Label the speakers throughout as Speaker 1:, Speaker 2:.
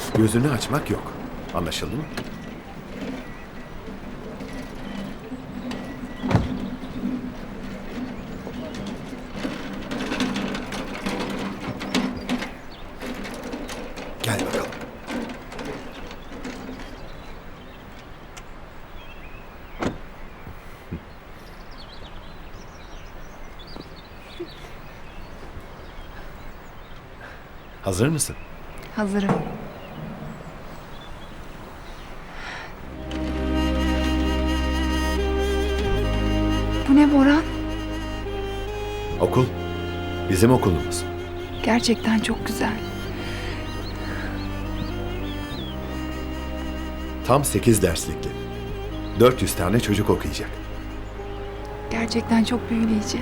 Speaker 1: Gözünü açmak yok. Anlaşıldı mı? Gel bakalım. Hazır mısın?
Speaker 2: Hazırım. Bu ne Boran?
Speaker 1: Okul. Bizim okulumuz.
Speaker 2: Gerçekten çok güzel.
Speaker 1: Tam 8 derslikli. 400 tane çocuk okuyacak.
Speaker 2: Gerçekten çok büyüleyici.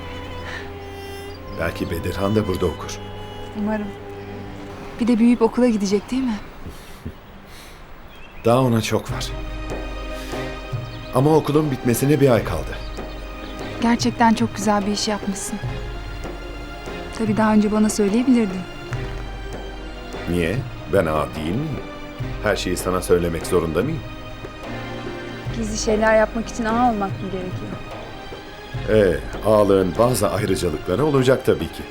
Speaker 1: Belki Bedirhan da burada okur.
Speaker 2: Umarım. Bir de büyüyüp okula gidecek değil mi?
Speaker 1: Daha ona çok var. Ama okulun bitmesine bir ay kaldı.
Speaker 2: Gerçekten çok güzel bir iş yapmışsın. Tabii daha önce bana söyleyebilirdin.
Speaker 1: Niye? Ben ağa değil miyim? Her şeyi sana söylemek zorunda mıyım?
Speaker 2: Gizli şeyler yapmak için ağa olmak mı gerekiyor?
Speaker 1: Ağalığın bazı ayrıcalıkları olacak tabii ki.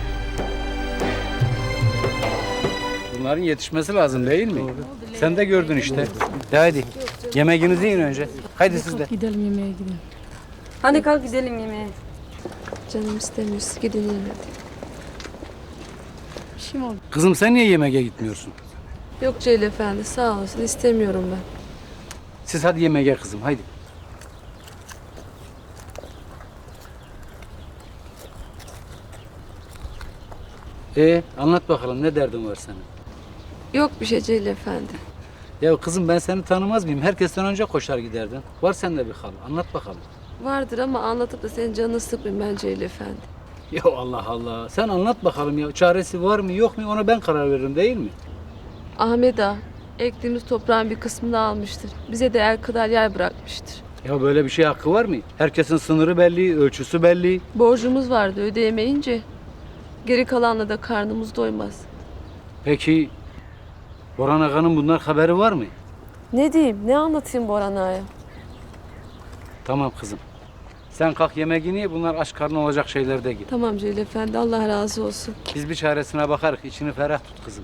Speaker 3: Bunların yetişmesi lazım değil mi? Sen de gördün işte. De hadi. Yemeğinizi yiyin önce. Haydi siz de.
Speaker 4: Gidelim yemeğe gidelim.
Speaker 5: Hadi kalk gidelim yemeğe.
Speaker 4: Canım istemiyor. Siz gidin yiyin hadi. Bir şey mi oldu?
Speaker 3: Kızım sen niye yemeğe gitmiyorsun?
Speaker 4: Yok Celil Efendi sağ olasın. İstemiyorum ben.
Speaker 3: Siz hadi yemeğe kızım haydi. Anlat bakalım ne derdin var senin?
Speaker 4: Yok bir şey Celil Efendi.
Speaker 3: Ya kızım ben seni tanımaz mıyım? Herkesten önce koşar giderdin. Var sende bir hal. Anlat bakalım.
Speaker 4: Vardır ama anlatıp da senin canını sıkmayayım ben Celil Efendi.
Speaker 3: Ya Allah Allah. Sen anlat bakalım ya. Çaresi var mı yok mu ona ben karar veririm değil mi?
Speaker 4: Ahmet Ağa ektiğimiz toprağın bir kısmını almıştır. Bize de el kadar yer bırakmıştır.
Speaker 3: Ya böyle bir şey hakkı var mı? Herkesin sınırı belli, ölçüsü belli.
Speaker 4: Borcumuz vardı ödeyemeyince geri kalanla da karnımız doymaz.
Speaker 3: Peki Boran Aga'nın bunlar haberi var mı?
Speaker 4: Ne diyeyim ne anlatayım Boran Ağa'ya?
Speaker 3: Tamam kızım. Sen kalk yemeğini ye, bunlar aç karnı olacak şeyler de git.
Speaker 4: Tamam Celil Efendi Allah razı olsun.
Speaker 3: Biz bir çaresine bakarız, içini ferah tut kızım.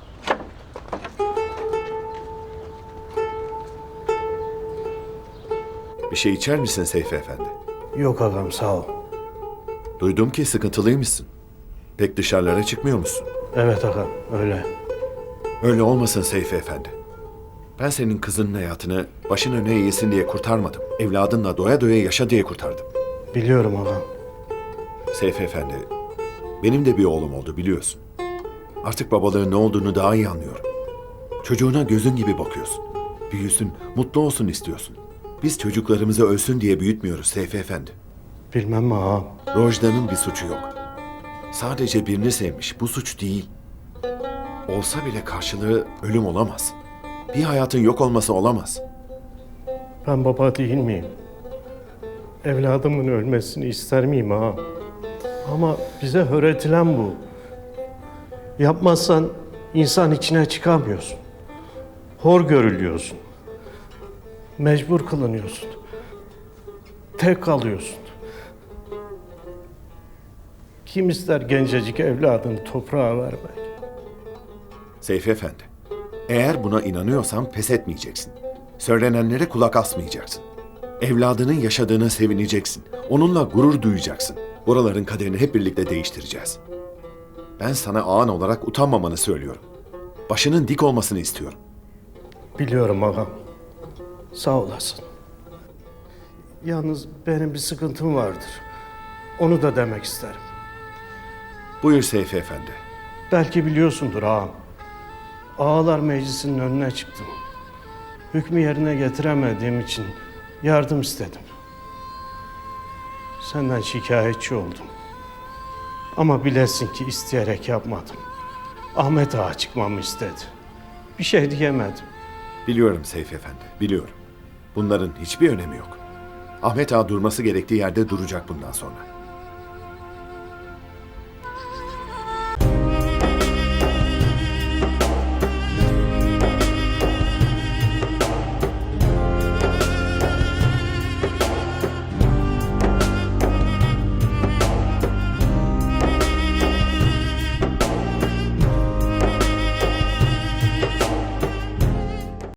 Speaker 1: Bir şey içer misin Seyfi Efendi?
Speaker 6: Yok ağam sağ ol.
Speaker 1: Duydum ki sıkıntılıymışsın. Pek dışarılara çıkmıyor musun?
Speaker 6: Evet ağam öyle.
Speaker 1: Öyle olmasın Seyfi Efendi. Ben senin kızının hayatını başın öne eğilsin diye kurtarmadım. Evladınla doya doya yaşa diye kurtardım.
Speaker 6: Biliyorum ağam.
Speaker 1: Seyfi Efendi, benim de bir oğlum oldu biliyorsun. Artık babalığın ne olduğunu daha iyi anlıyorum. Çocuğuna gözün gibi bakıyorsun. Büyüsün, mutlu olsun istiyorsun. Biz çocuklarımızı ölsün diye büyütmüyoruz Seyfi Efendi.
Speaker 6: Bilmem mi ağam?
Speaker 1: Rojda'nın bir suçu yok. Sadece birini sevmiş, bu suç değil. Olsa bile karşılığı ölüm olamaz. Bir hayatın yok olması olamaz.
Speaker 6: Ben baba değil miyim? Evladımın ölmesini ister miyim ağam? Ama bize öğretilen bu. Yapmazsan insan içine çıkamıyorsun. Hor görülüyorsun. Mecbur kılınıyorsun. Tek kalıyorsun. Kim ister gencecik evladını toprağa vermek?
Speaker 1: Seyfi Efendi, eğer buna inanıyorsan pes etmeyeceksin. Söylenenlere kulak asmayacaksın. Evladının yaşadığına sevineceksin. Onunla gurur duyacaksın. Buraların kaderini hep birlikte değiştireceğiz. Ben sana ağan olarak utanmamanı söylüyorum. Başının dik olmasını istiyorum.
Speaker 6: Biliyorum ağam. Sağ olasın. Yalnız benim bir sıkıntım vardır. Onu da demek isterim.
Speaker 1: Buyur Seyfi Efendi.
Speaker 6: Belki biliyorsundur ağam. Ağalar Meclisi'nin önüne çıktım. Hükmü yerine getiremediğim için yardım istedim. Senden şikayetçi oldum. Ama bilesin ki isteyerek yapmadım. Ahmet Ağa çıkmamı istedi. Bir şey diyemedim.
Speaker 1: Biliyorum Seyfi Efendi, biliyorum. Bunların hiçbir önemi yok. Ahmet Ağa durması gerektiği yerde duracak bundan sonra.